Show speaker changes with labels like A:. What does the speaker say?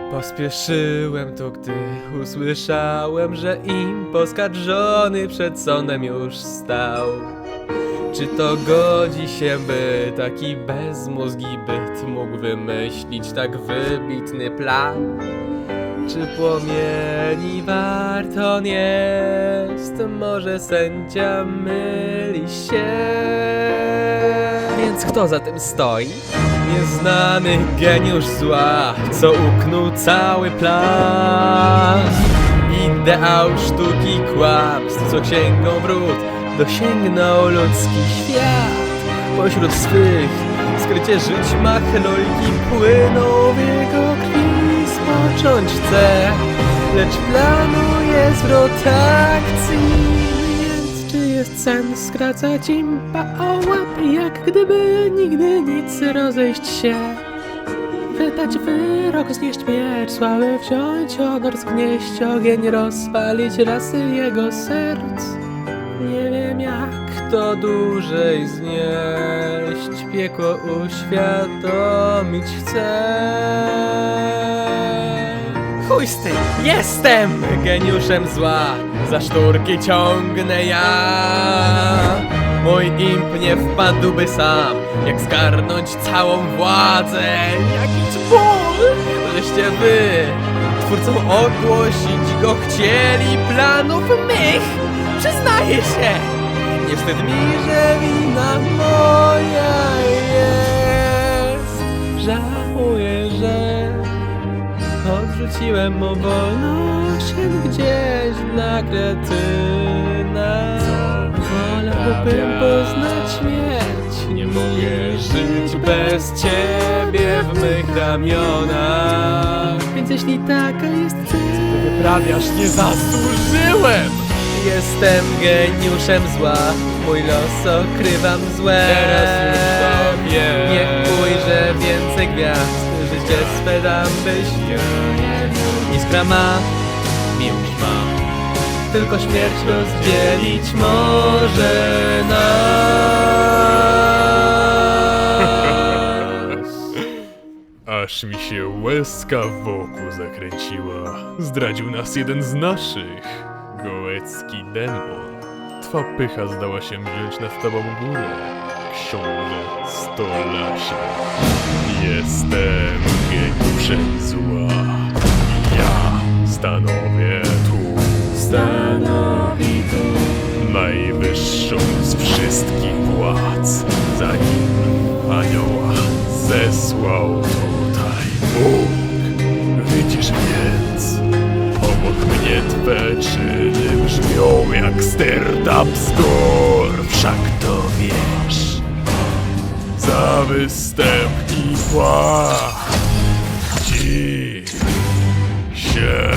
A: Pospieszyłem tu, gdy usłyszałem, że imp oskarżony przed sądem już stał. Czy to godzi się, by taki bezmózgi byt mógł wymyślić tak wybitny plan? Czy płomieni wart on jest? Może sędzia myli się? Więc kto za tym stoi? Nieznany geniusz zła, co uknął cały plan. Ideał sztuki kłamstw, co księgą wrót dosięgnął ludzki świat. Pośród swych skrycie żyć machlojki płyną w jego krwi. Spocząć chce, lecz planuje zwrot akcji. Więc czy jest sens skracać impa o łap, jak gdyby nigdy nic rozejść się? Wydać wyrok, znieść miecz, sławy wziąć honor, zgnieść ogień, rozpalić rasy jego serc. Nie wiem jak to dłużej znieść, piekło uświadomić chcę. Chuj z tym, jestem geniuszem zła, za szturki ciągnę ja. Mój imp nie wpadłby sam, jak zgarnąć całą władzę. Jakiś ból, żeście wy twórcą ogłosić go chcieli planów mych. Przyznaję się, nie wstyd mi, że wina moja jest. Żałuję, że odrzuciłem mu wolność gdzieś dla kretyna. Wolałbym poznać śmierć, nie mogę żyć bez ciebie w mych ramionach. Więc jeśli taka jest ty, co wyprawiasz, nie zasłużyłem. Jestem geniuszem zła, mój los okrywam złem.
B: Teraz już to wiem.
A: Nie ujrzę więcej gwiazd, życie swe dam byś iskra ma, miłość ma. Tylko śmierć rozdzielić może nas.
B: Aż mi się łezka wokół zakręciła. Zdradził nas jeden z naszych. Gołecki demon. Twa pycha zdała się wziąć nad tobą górę. Książę Stolasie. Jestem geniuszem zła. Ja stanowię tu.
A: Stanowi tu
B: Najwyższą z wszystkich władz. Zanim anioła zesłał tutaj Bóg. Widzisz więc, obok mnie twe czyny brzmią jak sterta bzdur. Wszak to wiesz. Za występ i płach ci się